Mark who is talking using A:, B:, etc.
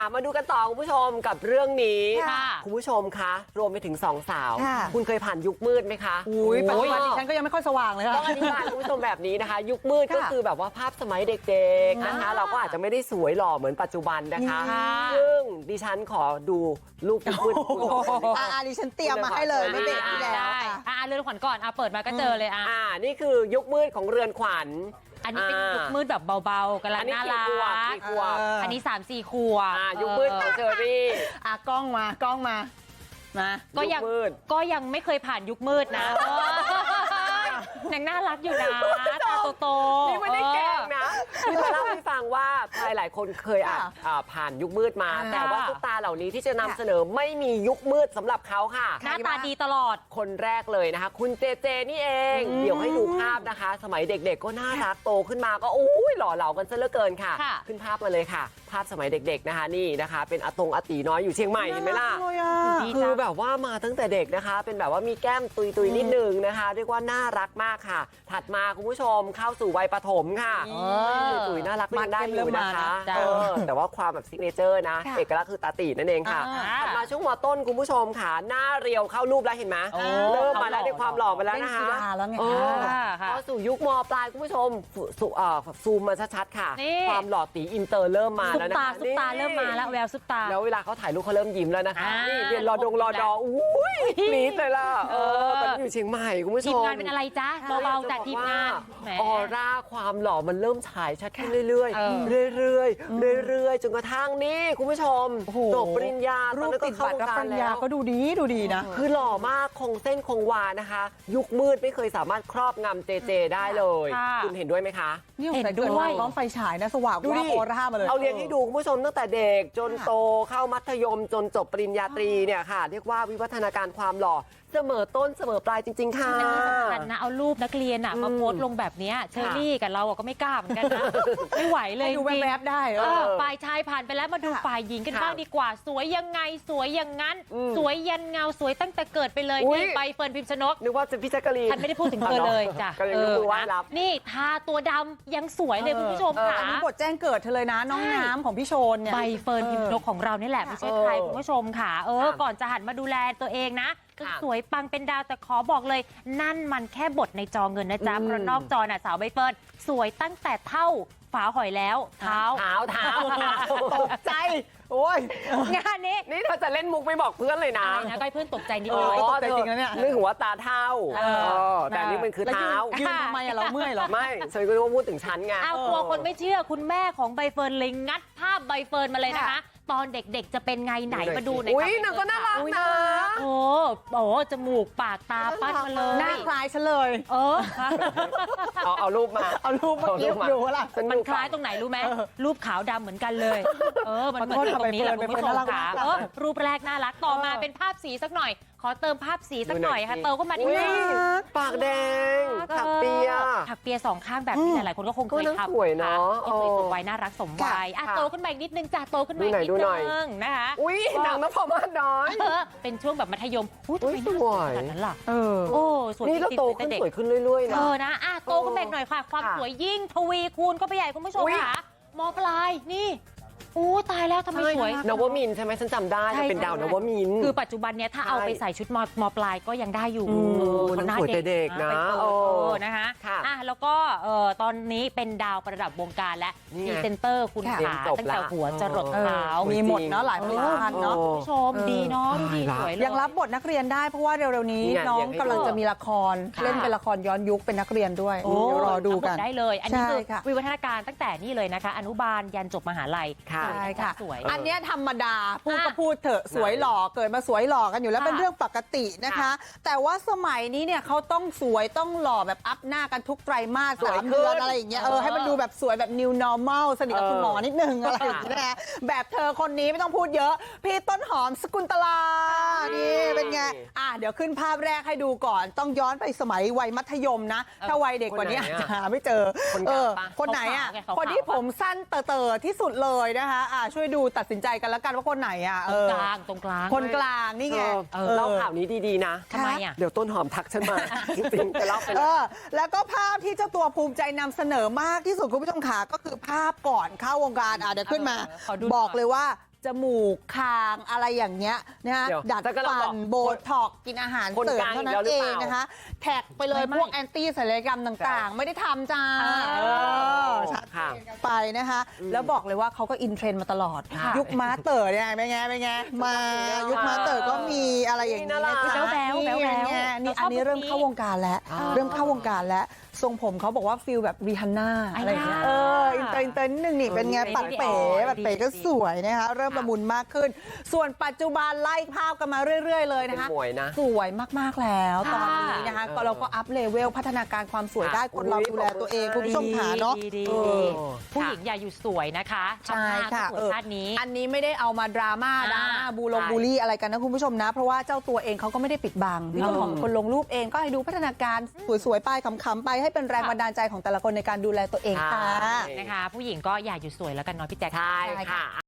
A: มาดูกันต่อคุณผู้ชมกับเรื่องนี้ คุณผู้ชมคะรวมไปถึงสองสาวคุณเคยผ่านยุคมืดไหมคะ
B: อุ้ยปัจจุบันดิฉันก็ยังไม่ค่อยสว่างเลยค่ะ
A: ต้องอธิบายคุณผู้ชมแบบนี้นะคะยุคมืดก็คือแบบว่าภาพสมัยเด็กๆนะคะเราก็อาจจะไม่ได้สวยหล่อเหมือนปัจจุบันนะคะซึ่งดิฉันขอดูรูปยุคมืด
B: ดิฉันเตรียมมาให้เลยไม่เบรกที่แล้ว
C: เรือนขวัญก่อนเปิดมาก็เจอเลย
A: นี่คือยุคมืดของเรือนขวัญ
C: อันนี้เป็นยุคมืดแบบเบาๆกำลังน่ารักอันนี้3-4 ขวบ
A: ยุคมืดของเชอรี่
B: กล้องมา
C: ก็ยังไม่เคยผ่านยุคมืดนะยังน่ารักอยู่นะตาโต
A: ๆนี่ไม่ได้แกล้งนะคือมาเล่าให้ฟังว่าใครหลายคนเคยผ่านยุคมืดมาแต่ว่าซุปตาเหล่านี้ที่จะนำเสนอไม่มียุคมืดสำหรับเขาค่ะ
C: หน้าตาดีตลอด
A: คนแรกเลยนะคะคุณเจเจนี่เองเดี๋ยวให้ดูภาพนะคะสมัยเด็กๆก็น่ารักโตขึ้นมาก็หล่อเหลากันซะเหลือเกินค่ะขึ้นภาพมาเลยค่ะภาพสมัยเด็กๆนะคะนี่นะคะเป็นอาตีน้อยอยู่เชียงใหม่เห็นไหมล่ะคือแบบว่ามาตั้งแต่เด็กนะคะเป็นแบบว่ามีแก้มตุยนิดนึงนะคะเรียกว่าน่ารักมากค่ะถัดมาคุณผู้ชมเข้าสู่วัยประถมค่ะตุยน่ารักมันได้อยู่นะคะแต่ว่าความแบบซิกเนเจอร์นะเอกลักษณ์คือตาตีนั่นเองค่ะถัดมาช่วงม.ต้นคุณผู้ชมค่ะหน้าเรียวเข้ารูปแล้วเห็นไหมเริ่มมาแล้วในความหล่อมาแล้วนะคะเข้าสู่ยุคม.ปลายคุณผู้ชมซูมมาชัดๆค่ะความหล่อตีอินเตอร์เริ่มมาแล้วนะคะ
C: ซุปตาเริ่มมาแล้วแววซุปตา
A: แล้วเวลาเขาถ่ายรูปเขาเริ่มยิ้มแล้วนะคะนี่เรียนรอดออุ้ยนิดเลยล่ะตอนนี้อยู่เชียงใหม่คุณผู้ชม
C: ทีมงานเป็นอะไรจ๊ะเบาๆจากทีมงาน
A: ออร่าความหล่อมันเริ่มฉายชัดขึ้นเรื่อยๆจนกระทั่งนี่คุณผู้ชมจบปริญญา
B: รูปติดบัตรรับปริญญาก็ดูดีนะ
A: คือหล่อมากคงเส้นคงวานะคะยุคมืดไม่เคยสามารถครอบงำเจได้เลยคุณเห็นด้วยไหมคะ
B: นี่เห็นด้วยพร้อมไฟฉายนะสว่างว่าออร่ามาเลย
A: เอาเรียงให้ดูคุณผู้ชมตั้งแต่เด็กจนโตเข้ามัธยมจนจบปริญญาตรีเนี่ยค่ะเรียกว่าวิวัฒนาการความหล่อเสมอต้นเสมอปลายจริงๆค่ะ
C: อันนี้สำคัญนะเอารูปนักเรียนมาโพสต์ลงแบบนี้เชอรี่กับเราก็ไม่กล้าเหมือนกันนะไม่ไหวเลย
B: ดูแวบๆได้
C: ฝ่ายชายผ่านไปแล้วมาดูฝ่ายหญิงกันบ้างดีกว่าสวยยังไงสวยอย่างนั้นสวยยันเงาสวยตั้งแต่เกิดไปเลยนี่ใบเฟิร์นพิมชนก
A: นึกว่าจะพี่แจ๊กกะลีน
C: ฉันไม่ได้พูดถึงเธอเลยจ้ะนี่ทาตัวดำยังสวยเลยคุณผู้ชมค่ะ
B: อันนี้บทแจ้งเกิดเธอเลยนะน้องน้ำของพี่โชนเนี่ย
C: ใบเฟิร์นพิมชนกของเรานี่แหละไม่ใช่ใครคุณผู้ชมค่ะก่อนจะหันมาดูแลตัวเองนะสวยปังเป็นดาวแต่ขอบอกเลยนั่นมันแค่บทในจอเงินนะจ๊ะเพราะนอกจอน่ะสาวใบเฟิร์นสวยตั้งแต่เท่าฝาหอยแล้วเท้า
B: ตกใจโอ้ย
C: งานนี้
A: นี่เธอจะเล่นมุกไม่บอกเพื่อนเลยนะ
C: ก็เพื่อนตกใจนิดหน่อย
B: ตกใจจริงนะเนี่ย
A: นึกว่าตาเท่าแต่นี่มันคือเท้า
B: ยืนทำไมเราเมื่อยหรอ
A: ไม่ฉันก็รู้ว่าพูดถึงฉันไง
C: กลัวคนไม่เชื่อคุณแม่ของใบเฟิร์นเลยงัดภาพใบเฟิร์นมาเลยนะคะตอนเด็กๆจะเป็นไงไหนมาดูหน่อยค่ะ
A: นางก็น่ารักนะ
C: โอ้จมูกปากตาปั้นมาเลย
B: หน้าคล้ายฉันเลย
A: เอารูปมา
B: ดูล่ะ
C: มันคล้ายตรงไหนรู้ไหมรูปขาวดำเหมือนกันเลยมันเหมือนตรงนี้แหละคุณผู้ชมค่ะรูปแรกน่ารักต่อมาเป็นภาพสีสักหน่อยขอเติมภาพสีสักหน่อยค่ะเติมก็มาที่
A: ปากแดงถักเปีย
C: สองข้างแบบนี้หลายคนก็คงเคยทำ
A: สวยเนาะ
C: สวยสมวัยน่ารักสมวัยโตขึ้นมาอีกนิดนึงจ้ะโตขึ้นมาอีกนิดนึงนะคะ
A: หนังนพมาศน้อย
C: เป็นช่วงแบบมัธยมทำไมน่าสวยขนาดนั้นล่ะสวย
A: นี่เราโตขึ้นสวยขึ้นเรื่อยๆ
C: นะโตขึ้นมาหน่อยค่ะความสวยยิ่งทวีคูณก็ไปใหญ่คุณผู้ชมค่ะม.ปลายนี่ตายแล้วทำไมสวย
A: นวมินใช่ไหมฉันจำได้เป็นดาวนวมิน
C: คือปัจจุบันเนี้ยถ้าเอาไปใส่ชุดม.ปลายก็ยังได้อยู่
A: น่าสวยเด็กนะ
C: นะคะแล้วก็ตอนนี้เป็นดาวประดับวงการและพรีเซนเตอร์คุณขาตั้งแต่หัวจรดเท้า
B: มีหมดเนาะหลายผลิตภัณฑ์เนาะ
C: คุณผู้ชมดีเนาะดีสวย
B: ยังรับบทนักเรียนได้เพราะว่าเร็วๆนี้น้องกำลังจะมีละครเล่นเป็นละครย้อนยุคเป็นนักเรียนด้วยเดี๋ยวรอดูกัน
C: ได้เลยอันนี้คือวิวัฒนาการตั้งแต่นี่เลยนะคะอนุบาลยันจบมหาลัย
B: สวยอันนี้ธรรมดาพูดก็พูดเถอะสวยหล่อเกิดมาสวยหล่อกันอยู่แล้วเป็นเรื่องปกตินะคะแต่ว่าสมัยนี้เนี่ยเขาต้องสวยต้องหล่อแบบอัพหน้ากันทุกไตรมาส3 เดือนอะไรอย่างเงี้ยให้มันดูแบบสวยแบบ new normal สนิทกับคุณหมอนิดนึงอะไรอย่างเงี้ยนะแบบเธอคนนี้ไม่ต้องพูดเยอะพี่ต้นหอมสกุลตลานี่เป็นไงเดี๋ยวขึ้นภาพแรกให้ดูก่อนต้องย้อนไปสมัยวัยมัธยมนะถ้าวัยเด็กกว่านี้อาจจะหาไม่เจอคนไหนคนที่ผมสั้นเต๋อที่สุดเลยนะคะช่วยดูตัดสินใจกันแล้วกันว่าคนไหน
C: ตรงกลาง
B: คนกลางนี่ไง
A: เล่าข่าวนี้ดีๆนะ
C: ทำไม
A: เดี๋ยวต้นหอมทักฉันมาจริงๆจะเล่าไป
B: แล้วก็ภาพที่เจ้าตัวภูมิใจนำเสนอมากที่สุดคุณผู้ชมขาก็คือภาพก่อนเข้าวงการเดี๋ยวขึ้นมาบอกเลยว่าจมูกคางอะไรอย่างเงี้ยนะฮะ
A: เดี๋ยว
B: ดัด
A: แต่ก็เรา
B: ฟั
A: บอก
B: นโบท็อกซ์กินอาหาร
A: คน
B: เสริม
A: กลาง
B: เท่านั้
A: อีกแล้ว
B: น
A: หรือ
B: เอ
A: เป
B: ง
A: ล่า
B: นะคะแท็กไปเลย
C: ไม่
B: พวกแอนตี้ศัลยกรรมต่างๆ ไม่ได้ทำจ้า ชัด
A: ค่ะ
B: เจนกันไปนะคะ แล้วบอกเลยว่าเขาก็อินเทรนด์มาตลอด
C: ค่ะ
B: ยุคม้าเต๋อเนี่ยเป็นไงมายุคม้าเต๋อก็มีอะไรอย่างนี้นะ
A: นี่
B: จ๊ะ
C: แบ๊วๆ
B: นี่
C: แบ๊วๆ
B: ไงนี่
C: เราชอบ
B: อันนี้เริ่มเข้าวงการแล้ว
A: อ่า
B: เริ่มเข้าวงการแล้วทรงผมเขาบอกว่าฟิลแบบรีฮันน่าอะไรอย่างเงี้ย อินเตอร์นิดนึงนี่เป็นไงปัดเป๋ปัดเป๋ก็สวยนะคะเริ่มละมุนมากขึ้น ส่วนปัจจุบันไล่ภาพกันมาเรื่อย ๆ เลยนะคะ
A: สวยนะ
B: สวยมากๆแล้วตอนนี้
C: ค่ะ
B: นะคะก็เราก็อัพเลเวลพัฒนาการความสวยได้คนเราดูแลตัวเองคุณผู้ชมขาเนาะ
C: ดี
B: เออ
C: ผู้หญิงอย่าอยู่สวยนะคะ
B: ใช่ค่ะ
C: ชาติหน้าก็สวยชาตินี้
B: อันนี้ไม่ได้เอามาดราม่า
C: อ่า
B: บูลลี่อะไรกันนะคุณผู้ชมนะ เพราะว่าเจ้าตัวเองเขาก็ไม่ได้ปิดบังเจ้าของคนลงรูปเองก็ให้ดูพัฒนาการสวยๆไปขำๆไปให้เป็นแรงบันดาลใจของแต่ละคนในการดูแลตัวเองค่ะ
A: ใช่
C: นะคะ ผู้หญิงก็อย่าอยู่สวยแล้วกันเนาะพี่แจ๊ค
A: ใช่
B: ใช่ค่ะ
A: ค่ะ